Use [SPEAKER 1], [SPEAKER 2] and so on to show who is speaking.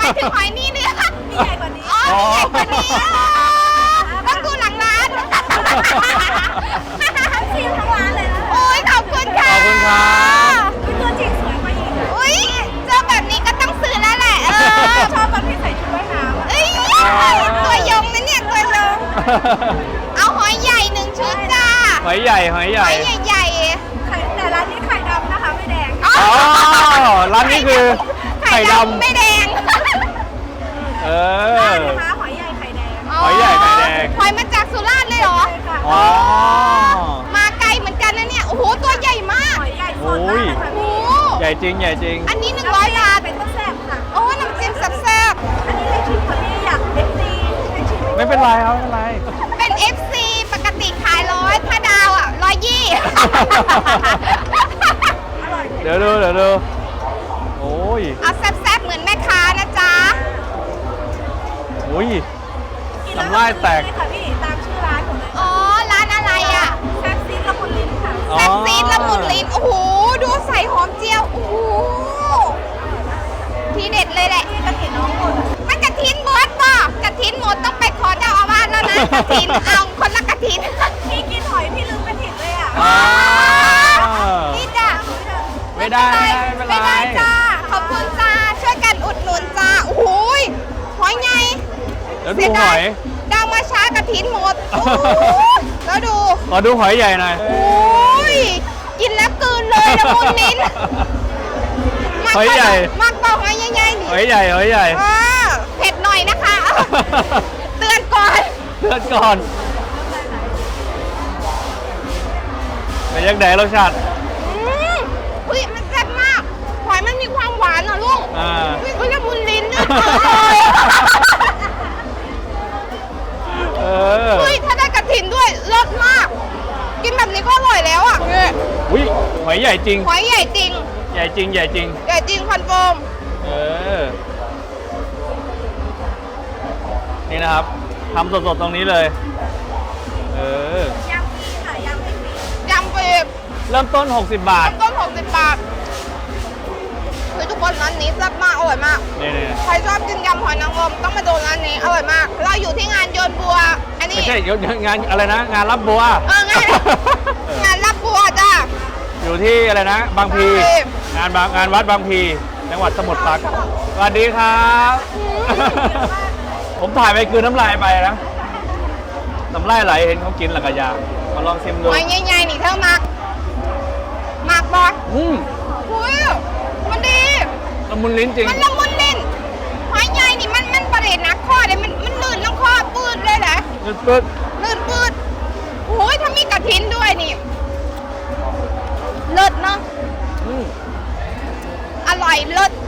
[SPEAKER 1] ายถึงหอยนี่เนี่ย
[SPEAKER 2] มีใหญ่กว่านี้
[SPEAKER 1] อ๋อใหญ่กว่านี้ก็กูหลังร้าน
[SPEAKER 2] ทั้งซีนทั้งร้านเลยนะ
[SPEAKER 1] โอ้ยขอบคุณค่ะ
[SPEAKER 3] ขอบคุณครับ
[SPEAKER 2] ตัวจริงสวยกว่าอีก
[SPEAKER 1] อุ้ยเจอแบบนี้ก็ต้องซื้อแล้วแหละ
[SPEAKER 2] ชอบตอนที่ใส่ชุดว่ายน้ำ
[SPEAKER 1] เอ้ยตัวยงนะเนี่ยตัวยงเอาหอยใหญ่1 ชุดจ้า
[SPEAKER 3] หอยใหญ่หอยให
[SPEAKER 1] ห
[SPEAKER 3] ญ่
[SPEAKER 1] อยใหญ่
[SPEAKER 2] ไข่แต่ร้านนี้ไข่ดำนะคะไม่แดง
[SPEAKER 1] ๆอ๋อ
[SPEAKER 3] อ๋อร้านนี้คือไข่ดำ
[SPEAKER 1] ไม่แดง
[SPEAKER 3] เอ
[SPEAKER 2] ร้า
[SPEAKER 3] อน
[SPEAKER 2] นะคะหอยใหญ่ไข่แดง
[SPEAKER 3] หอยใหญ่ไข่แดง
[SPEAKER 1] หอยมาจากสุราษฎร์เลยเหรอ
[SPEAKER 2] ใช่ค่ะ
[SPEAKER 3] อ๋อ
[SPEAKER 1] มาไกลเหมือนกันนะเนี่ย โอ้โห ตัวใหญ่มาก
[SPEAKER 2] หอยใหญ่สดมากเลยค่ะ
[SPEAKER 1] โอ้
[SPEAKER 2] พี่
[SPEAKER 1] โห
[SPEAKER 3] ใหญ่จริงใหญ่จริง
[SPEAKER 1] อันนี้100 บาท
[SPEAKER 2] เป็นต้นแซ่บค่ะ
[SPEAKER 1] โอ้น้ำจิ้มแซ่บ
[SPEAKER 2] อันนี้ให้ชิมค่ะพี่อยากเอฟซีให้ชิม
[SPEAKER 3] ไม่เป็นไรครับไม่เป็นไร
[SPEAKER 1] ๆเป็น FC ปกติขาย100ถ้าดาวอ่ะ120
[SPEAKER 2] อร่อย
[SPEAKER 3] เดี๋ยวดูโอ้ย
[SPEAKER 1] เอาแซ่บๆเหมือนแม่ค้านะจ๊ะ
[SPEAKER 3] โอ้ย
[SPEAKER 2] กินแล้ว
[SPEAKER 3] น้ำลายแตก
[SPEAKER 2] เลยค่ะพี่ตามชื่อร้านของเลย
[SPEAKER 1] อ๋อ ร้านอะไรอ่ะ
[SPEAKER 2] แซ่บซีดละมุนลิ้นค่ะ
[SPEAKER 3] อ๋อ
[SPEAKER 1] แซ่บซีดละมุนลิ้น โอ้โห ดูใส่หอมเจียว โอ้โห ทีเด็ดเลยแหละ
[SPEAKER 2] พี่กระถิ่นน้องหมด
[SPEAKER 1] มันกระถินหมดป่ะกระถินหมดต้องไปขอเจ้าอาวาสแล้วนะกระถินเอาคนละกระถิน
[SPEAKER 2] พี่กินหอยพี่ลืมกระถิ่นเลยอ่ะ
[SPEAKER 3] อ๋อ
[SPEAKER 1] นี่จ้ะ
[SPEAKER 3] ไม่ได้ไม่เป็นไร
[SPEAKER 1] ไม่ได้จ้า ขอบคุณจ้า ช่วยกันอุดหนุนจ้า โอ้โหยหอยไง
[SPEAKER 3] แล้วดูหอย
[SPEAKER 1] ดาวมาช้ากระถินหมด โอ้โหแล้วดู
[SPEAKER 3] ขอดูหอยใหญ่หน่อย
[SPEAKER 1] โอ้ย กินแล้วกลืนเลยละมุนลิ้น
[SPEAKER 3] หอยใหญ่
[SPEAKER 1] มากเปล่าหอยใหญ่ๆนี่
[SPEAKER 3] หอยใหญ่หอยใหญ่
[SPEAKER 1] เผ็ดหน่อยนะคะ เตือนก่อน
[SPEAKER 3] เลือดก่อนไปยังไงรสชาติ
[SPEAKER 1] อุ้ยมันแซ่บมาก หอยมันมีความหวานอ่ะลูก
[SPEAKER 3] อ่า
[SPEAKER 1] อุ้ยละมุนลิ้นด้วย
[SPEAKER 3] เออ
[SPEAKER 1] อุ้ยถ้าได้กระถินด้วยเลิศมาก กินแบบนี้ก็อร่อยแล้วอ่ะเนี่ย
[SPEAKER 3] อุ้ยหอยใหญ่จริง
[SPEAKER 1] หอยใหญ่จริง
[SPEAKER 3] ใหญ่จริงใหญ่จริง
[SPEAKER 1] ใหญ่จริงคอนเฟิร์ม
[SPEAKER 3] เออ นี่นะครับทำสดๆตรงนี้เลย เออ
[SPEAKER 2] ยำฟรีค่ะยำฟรี
[SPEAKER 1] ยำไป
[SPEAKER 3] เริ่มต้น 60 บาท
[SPEAKER 1] ต้น60 บาทคือทุกคนร้านนี้แซ่บมากอร่อยมาก
[SPEAKER 3] นี่
[SPEAKER 1] ใครชอบกินยำหอยนางรมต้องมาดูร้านนี้อร่อยมาก เราอยู่ที่งานโยนบัว อันนี้
[SPEAKER 3] ไม่ใช่งานอะไรนะ งานรับบัว
[SPEAKER 1] งานรับบัวจ้า
[SPEAKER 3] อยู่ที่อะไรนะ บางพี
[SPEAKER 1] บางพี
[SPEAKER 3] งานวัดบางพี จังหวัดสมุทรปราการสวัสดีครับ ผมถ่ายไปคือน้ำลายไปนะน้ำลายไหลเห็นเขากินหลักกะยามาลองชิมดู
[SPEAKER 1] หอยใหญ่ๆนี่เท่ามากบอส อุ้ยมันดี
[SPEAKER 3] ละมุนลิ้นจริง
[SPEAKER 1] มันละมุนลิ้นหอยใหญ่นี่มันประเด็นนักข้อเลยมันลื่นลงคอปืดเลยนะ
[SPEAKER 3] ปึ๊ด
[SPEAKER 1] ลื่นปืดโอ้ยถ้ามีกระถินด้วยนี่เลิศเนาะ
[SPEAKER 3] อืม
[SPEAKER 1] อร่อยเลิศ